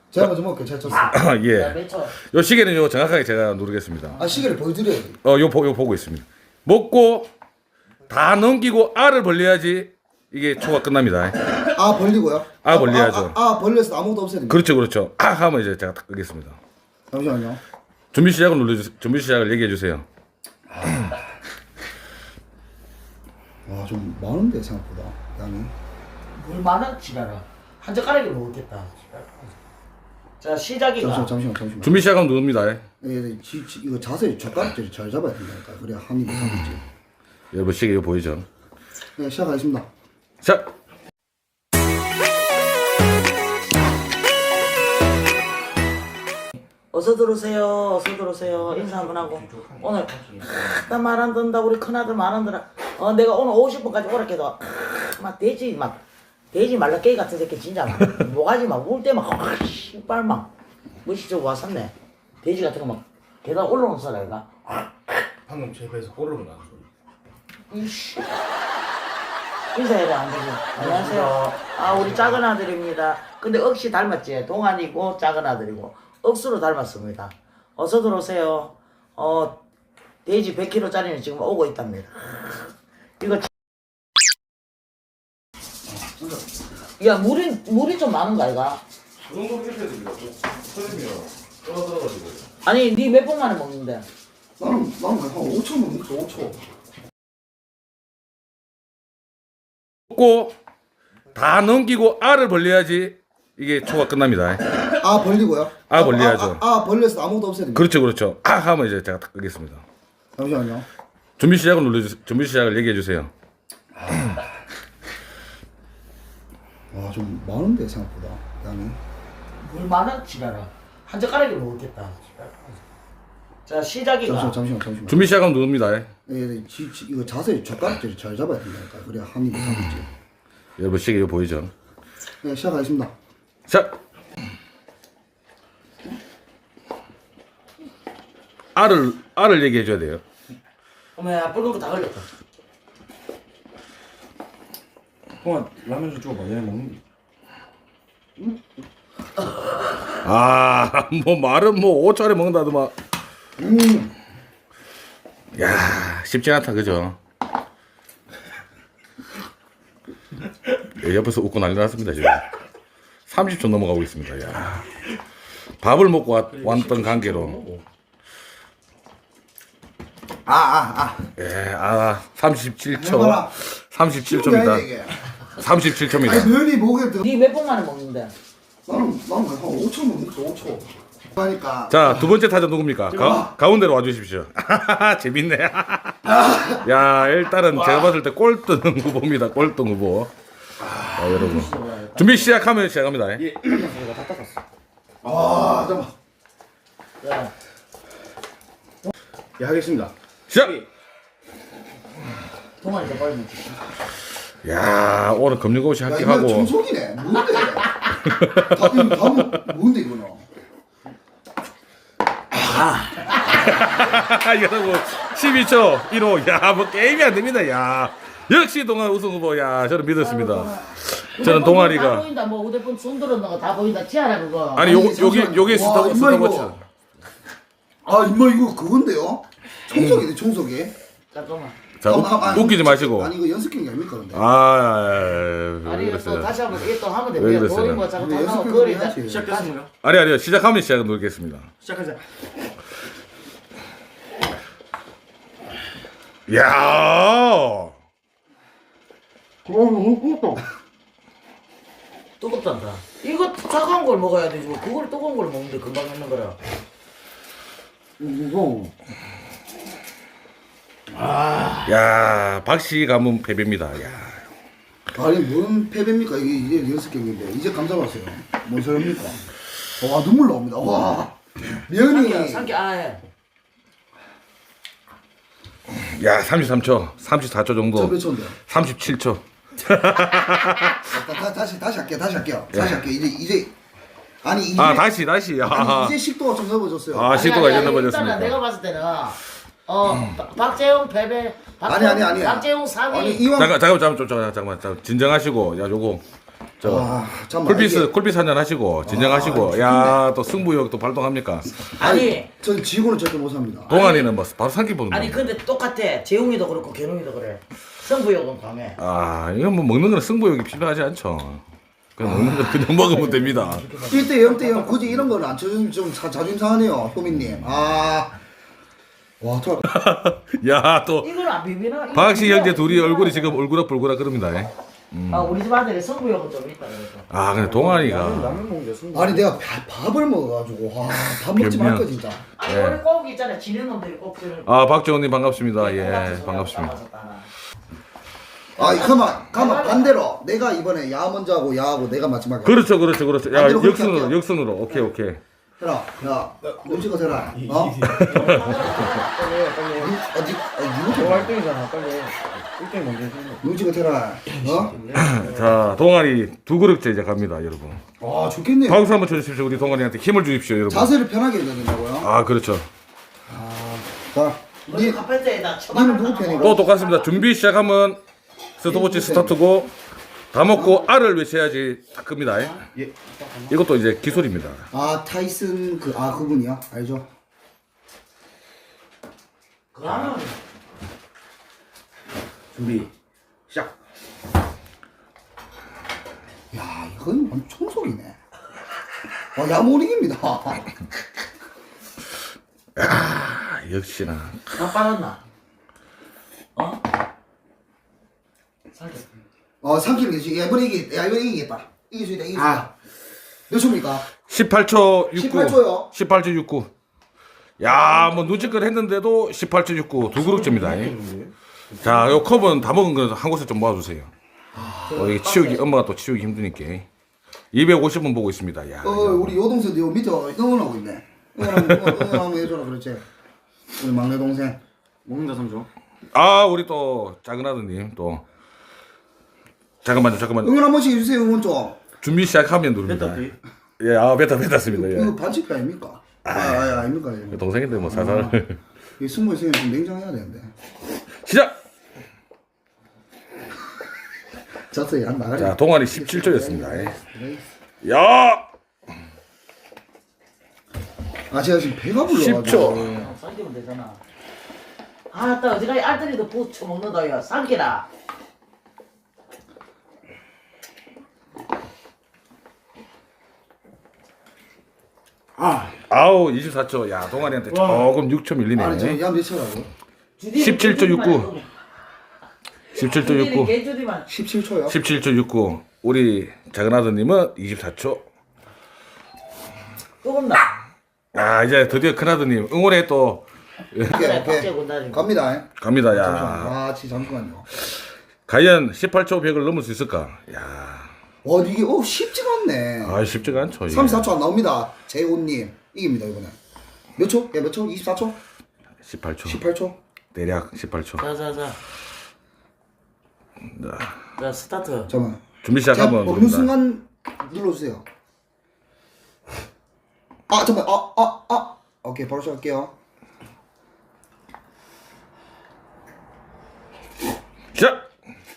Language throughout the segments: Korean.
제가 먼저 먹을게요. 제가 쳤어요. 예. 요 시계는요 정확하게 제가 누르겠습니다. 아 시계를 보여드려야 돼. 요 보고 있습니다. 먹고 다 넘기고 알을 벌려야지 이게 초가 끝납니다. 아 벌리고요? 벌려야죠. 벌려서 아무것도 없애야 됩니다. 그렇죠, 그렇죠. 하면 이제 제가 딱 끄겠습니다. 잠시만요. 준비 시작을 눌러주세요. 준비 시작을 얘기해 주세요. 와 좀 많은데 생각보다 양이. 물 많아 지나라. 한 젓가락이 먹었겠다. 자 시작이가. 잠시만. 준비 시작하면 누릅니다. 이거 자세히 젓가락질을 잘 잡아야 된다니까. 그래야 한 입에 담지. 여러분 시계 이거 보이죠? 네 시작하겠습니다. 자. 어서 들어오세요. 어서 들어오세요. 인사 한번 하고. 오늘 나 말 안 듣는다 우리 큰아들 말 안 들어. 내가 오늘 50분까지 오라 해도 돼지 말라깨기 같은 새끼 진짜 모가지 막 울 때 막 씨발 막 무시적 왔었네. 돼지 같은 거 막 계단 올라오는 사람이가. 방금 제 배에서 꼬르륵 나는 소리. 이씨. 인사해라 안 되고. 안녕하세요. 우리 작은 아들입니다. 근데 억시 닮았지. 동안이고 작은 아들이고 억수로 닮았습니다. 어서 들어오세요. 돼지 100kg짜리는 지금 오고 있답니다. 이거 야 물이 좀 많은가 이가? 그 정도 해야 됩니다. 선생님이요. 떨어져가지고. 아니 니 몇 번 만에 먹는데? 나는 한 5초 먹니까 5초. 먹고 다 넘기고 알을 벌려야지 이게 초가 끝납니다. 아 벌리고요? 벌려야죠. 벌려서 아무것도 없애야 됩니다. 그렇죠, 그렇죠. 하면 이제 제가 딱 끄겠습니다. 잠시만요. 준비 시작을 눌러주세요. 준비 시작을 얘기해 주세요. 와 좀 많은데 생각보다 양이. 물 많아 지나라. 한 젓가락이 먹었겠다. 자 시작이가. 잠시만. 준비 시작하면 누릅니다. 이거 자세히 젓가락질을 잘 잡아야 된다니까. 그래야 한 입에 담지. 여러분 시계 이거 보이죠? 네 시작하겠습니다. 자. 알을 얘기해 줘야 돼요. 어머야 붉은 거 다 걸렸다. 형아 라면 좀 줘봐. 얘네 먹는. 뭐 말은 뭐 5초안에 먹는다더만. 야, 쉽지 않다 그죠? 옆에서 웃고 난리 났습니다 지금. 30초 넘어가고 있습니다. 야, 밥을 먹고 왔던 관계로. 37초. 해봐라. 37초입니다. 37초입니다. 아니 면이 목에 들어. 니 몇 번 만에 먹는데? 나는 한 5초 먹니까 5초. 그러니까. 자, 두 번째 타자 누굽니까? 가운데로 와주십시오. 재밌네. 야, 일단은 제가 봤을 때 꼴등 후보입니다. 꼴등 후보. 자, 여러분. 준비 시작하면 시작합니다. 얘 이거 다 닦았어. 잠깐만. 야. 예 하겠습니다. 시작! 동안이 더 빨리 먹지. 야, 오늘 금융고시 이거 합격하고. 청소기네. 뭔데? 뭔데 이거는? 여러분, 12초 1호. 야, 뭐 게임이 안 됩니다. 야. 역시 동안 우승 후보. 야, 저는 믿었습니다. 저는 다 동아리가. 보인다. 뭐 휴대폰 손 들었는 거 다 보인다. 치아라 그거. 아니, 요게 와, 임마, 스타워치. 이거. 임마 이거 그건데요? 청소기네 청소기. 잠깐만. 자, 웃기지 마시고. 아니 이거 연습 경기 아닙니까 근데? 아니 이거 또 다시 한번 이게 또 하면 왜 됩니다. 그랬어요? 돈이 뭐 자꾸 근데 다 나와 연습 거리다. 경기 해야지. 시작했습니다. 아니요. 시작하면 시작 누르겠습니다. 시작하자. 야. 너무 뜨겁다. 뜨겁단다. 이거 차가운 걸 먹어야 되지. 뭐 그걸 뜨거운 걸 먹는데 금방 먹는 거라. 이거 야, 박씨 가문 패배입니다. 야. 아니 뭔 패배입니까? 이게 연습 경기인데 이제 감잡았어요. 뭔 소리입니까? 와 눈물 나옵니다. 와 면이 삼키 해. 야, 33초, 34초 정도. 저몇 초인데? 37초. 다시 할게요. 이제 아니 이제 다시. 아니, 이제 식도가 좀 넓어졌어요. 식도가 이제 일단은 넘어졌습니다. 내가 봤을 때는 박재용 패배. 아니. 박재용 3위. 아니 이왕 잠깐만, 진정하시고. 야, 요거 저 잠깐만. 쿨피스 한잔 하시고 진정하시고 야 또 승부욕 또 발동합니까? 아니 전 지고는 절대 못 삽니다. 동안이는 뭐 바로 삼키 보는 아니 근데 똑같아. 재웅이도 그렇고 견웅이도 그래. 승부욕은 강해. 아 이건 뭐 먹는 거는 승부욕이 필요하지 않죠. 그냥 먹는 거 그냥 먹으면 됩니다. 1대 0대 0 굳이 이런 거는 안 쳐주면 좀 자존심 상하네요, 효민님. 와, 저 야 또 이걸 안 비비나? 이거 박씨 비벼. 형제 둘이 얼굴이 지금 울그락불그락 그럽니다. 아 우리 집 아들이 승부욕은 좀 있다 그래서. 아 근데 동안이가 라면 먹는데 승부. 아니 내가 밥을 먹어가지고 밥 먹지 그냥- 말까 진짜. 아니 예. 우리 꼭 있잖아. 지는 놈들이 꼭 그런. 아 박정훈님 반갑습니다. 예 반갑습니다. 아, 가만 반대로 내가 이번에 야 먼저 하고 야하고 내가 마지막에. 그렇죠. 야 반대로 그렇게 역순으로 할게요. 역순으로 오케이. 해라, 야, 눈치가 대라. 어? 어디, 너 1등이잖아 빨리. 1등 먼저 해줘. 눈치가 대라. 어? 자 동아리 두 그릇째 이제 갑니다 여러분. 와, 좋겠네요. 박수 한번 쳐주십시오. 우리 동아리한테 힘을 주십시오 여러분. 자세를 편하게 해야 된다고요? 아 그렇죠. 자, 우리 카페트에다 니는 처박을 누구 하나 편이고? 또 똑같습니다. 준비 시작하면 스톱워치 스타트고 다 먹고 알을 외쳐야지 다 끕니다. 예. 이것도 이제 기술입니다. 아, 타이슨 그분이야? 알죠? 그러면 준비. 시작. 야, 이건 완전 청소기네. 와, 야모링입니다. 아 역시나. 나 빠졌나? 어? 살짝. 삼키는 게 지금 이번에 이기겠다. 이길 수 있다, 이길 수 있다. 몇 초입니까? 18초 69. 18초요? 18초 69. 야, 뭐 눈치껏 했는데도 18초 69. 두 그릇째입니다. 자, 요 컵은 다 먹은 거 한 곳에 좀 모아주세요. 이게 치우기, 엄마가 또 치우기 힘드니까. 250원 보고 있습니다. 야. 우리 여동생도 요 밑에 응원하고 있네. 응원하면 해줘라, 그렇지. 우리 막내 동생. 먹는다 3초. 아, 우리 또 작은 아드님 또. 잠깐만요. 응원 한 번씩 해주세요, 응원 좀. 준비 시작하면 누릅니다. 뱉었지? 예, 아, 뱉었습니다. 이거 예. 반칙 아닙니까? 아닙니까? 이거. 동생인데 뭐 살살. 이 승부 있으면 좀 냉정해야 되는데. 시작! 졌어요, 안 나가리. 자, 동안이 17초였습니다. 야! 아, 제가 지금 배가 불러가지고. 10초. 삼키면 되잖아. 아따 어디가 알뜰이도 부쳐 먹는다요. 삼키라. 아우 24초. 야 동아리한테 조금 6초 밀리네. 아니, 저 야몇 초라고? 17초 69. 17초 69. 개주디만. 17초요? 17초 69. 우리 작은 아드님은 24초. 조금 나. 아 이제 드디어 큰 아드님 응원에 또 오케이. 박제 군다지. 갑니다. 갑니다. 야 아, 잠깐만요. 과연 18초 100을 넘을 수 있을까? 야 와, 이게 쉽지가 않네. 아 쉽지가 않죠. 이게. 34초 안 나옵니다. 재훈님 이깁니다 이번에. 몇 초? 몇 초? 24초? 18초. 18초? 대략 18초. 자자자. 자 스타트. 잠깐만. 준비 제가 시작하면 먹는 누릅니다. 순간 눌러주세요. 아, 잠깐만. 오케이, 바로 시작할게요. 시작.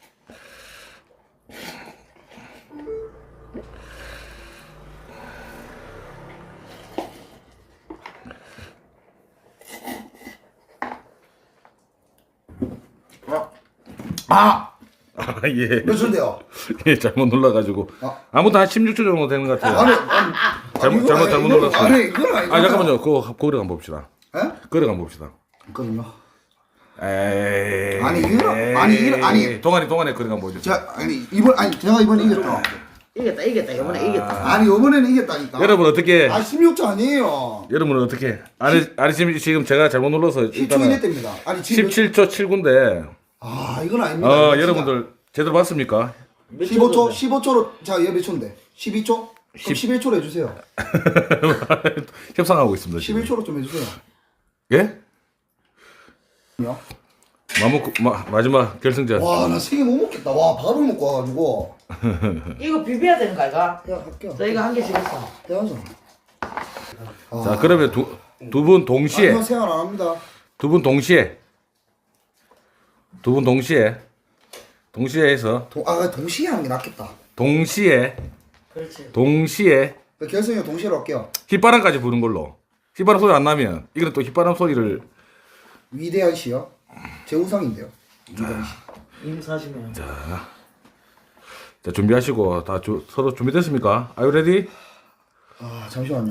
아 예. 몇 초인데요? 예 잘못 눌러가지고 아무튼 한 16초 정도 되는 것 같아요. 잘못 눌렀어요. 아니, 이건 아니죠. 아 잠깐만요. 그거 거래 한번 봅시다. 에? 거래 한번 봅시다. 그럼요. 에이. 아니, 아니. 동안에 거래 한번 보죠. 제가 제가 이번에 이겼다. 이겼다. 이번에 이겼다. 아니, 이번에는 이겼다니까. 여러분 어떻게? 16초 아니에요. 여러분은 어떻게? 아니 지금 제가 잘못 눌러서 10초 이내 일단은 됩니다. 아니, 지금 17초 79인데. 이건 아닙니다. 이거 여러분들 제대로 봤습니까? 15초로 자, 얘 몇 초인데? 12초? 그럼 11초로 해주세요. 협상하고 있습니다. 지금. 11초로 좀 해주세요. 예? 요? 마지막 결승전. 와, 나 3개 못 먹겠다. 와, 밥을 먹고 와가지고. 이거 비벼야 되는 거 아이가? 야, 할게요. 저 이거 한 개씩 했어. 해야죠. 자 그러면 두 분 동시에 아니요, 생활 안 합니다. 두 분 동시에 동시에 해서 동시에 하는 게 낫겠다. 동시에 그렇지. 결승이 동시에로 할게요. 휘바람까지 부는 걸로. 휘바람 소리 안 나면 이거는 또 휘바람 소리를 위대한 시요. 제 우상인데요. 위대한 시. 인사시면. 자 준비하시고 다 서로 준비됐습니까? Are you ready? 아 잠시만요.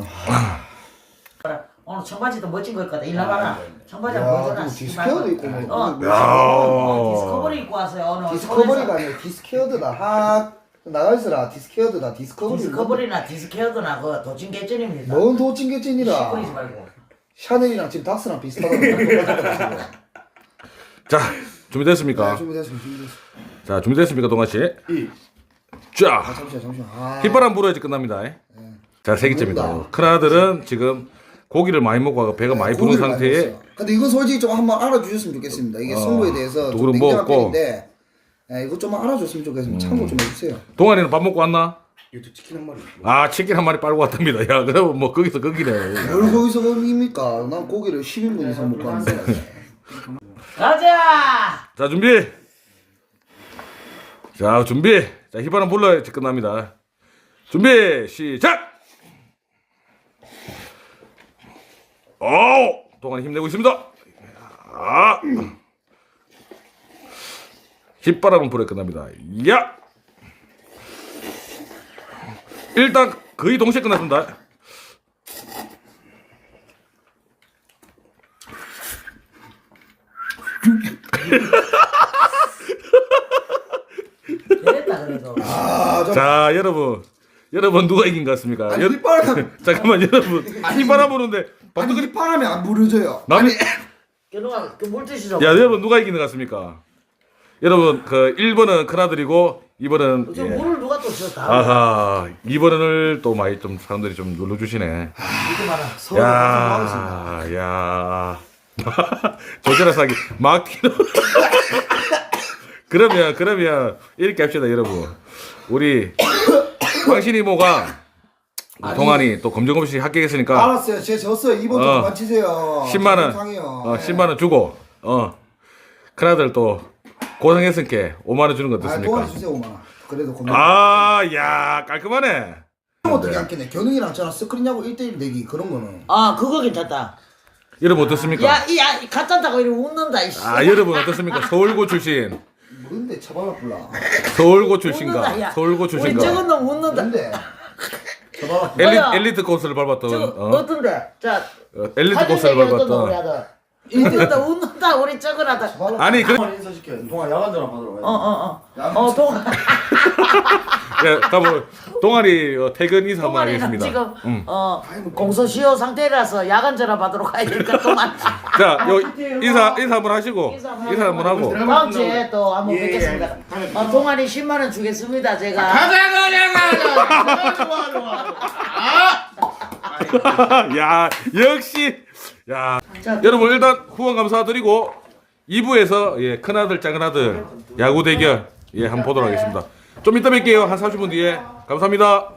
오늘 청바지도 멋진 거 입고 왔다. 일로 와봐라. 청바지 한번 야, 보여줘라. 또 디스케어도 있고 뭐. 디스커버리 입고 왔어요. 오늘 디스커버리가 아니라 디스케어드다. 나가 있어라. 디스케어드다. 디스커버리. 디스커버리나 디스케어드나 그 도찐 개쩐입니다. 뭔 도찐개찐이라. 시끄리지 말고. 샤넬이랑 지금 닥스랑 비슷하다. 자 준비됐습니까? 준비됐습니다. 자 준비됐습니까 동아 씨? 자 잠시만. 휘바람 불어야지 끝납니다. 자 3개째입니다. 큰아들은 지금 고기를 많이 먹고 와서 배가 많이 부른 상태에. 근데 이건 솔직히 좀 한번 알아주셨으면 좋겠습니다. 이게 승부에 대해서 또 그럼 좀 냉정한 먹었고. 편인데 이거 좀 알아줬으면 좋겠습니다. 참고 좀 해주세요. 동아리는 밥 먹고 왔나? 이것도 치킨 한 마리. 아 치킨 한 마리 빨고 왔답니다. 야 그럼 뭐 거기서 거기네. 뭘 거기서 거기입니까? 난 고기를 10인분 이상 먹고 왔는데. 가자. 자 준비. 자 준비. 자 휘바람 불러야지 끝납니다. 준비 시작. 오 동아리 힘내고 있습니다. 아 휘바람은 불에 끝납니다. 야 일단 거의 동시에 끝났습니다. 됐다 그래도. 자 여러분 누가 이긴 것 같습니까? 아니 휘바람. 잠깐만 여러분 휘바람 부는데 아니 휘바람이 안 부러져요. 남이 견우가 그 물티슈 좀. 야 여러분 누가 이기는 것 같습니까? 여러분 그 1번은 큰아들이고 2번은 저 물을 누가 또 줬다. 아하 2번을 또 많이 좀 사람들이 좀 눌러주시네. 이거 봐라. 서로 하겠습니다. 야 조절한 사기 막 튀는. 그러면 이렇게 합시다 여러분. 우리 황신이모가 동안이 또 검정 없이 합격했으니까 알았어요. 제가 졌어요. 이번 좀 그만 치세요. 10만 원, 상해요. 10만 원 주고 큰아들 또 고생했으니까 5만 원 주는 거 아, 어떻습니까? 도와주세요 5만 원. 그래도 고민. 야 깔끔하네. 어떻게 않겠네. 견웅이랑 저랑 스크린하고 1대1 내기 그런 거는. 아 그거 괜찮다. 여러분 어떻습니까? 야 가짠다고 이리 웃는다 이씨. 여러분 어떻습니까? 서울고 출신, 뭔데 처벌을 불라. 서울고 웃는다, 출신가, 야. 서울고 우리 출신가. 저건 놈 웃는다. 뭔데? 처벌을 불라. 뭐야? 엘리트 코스를 밟았던 어떤데? 자 엘리트 사진 코스를 얘기 어떤데 우리 밟았던. 아들. 웃는다 우리 저건 아들. 아니 그 동안 인사시켜. 동안 야간 전화 받으러 가야 돼. 동 가보 동아리 퇴근 인사 한번 동아리는 하겠습니다. 지금 공소시효 상태라서 야간 전화 받으러 가야 되니까 동안. 자, 인사 한번 하시고 인사 인사 한번 하고. 다음 주에 또 한번 예, 뵙겠습니다. 예. 동아리 10만 원 주겠습니다 제가. 야, 역시 야. 자, 여러분 일단 후원 감사드리고 2부에서 큰아들 작은아들 야구 대결 한번 보도록 하겠습니다. 좀 이따 뵐게요. 한 30분 뒤에. 감사합니다.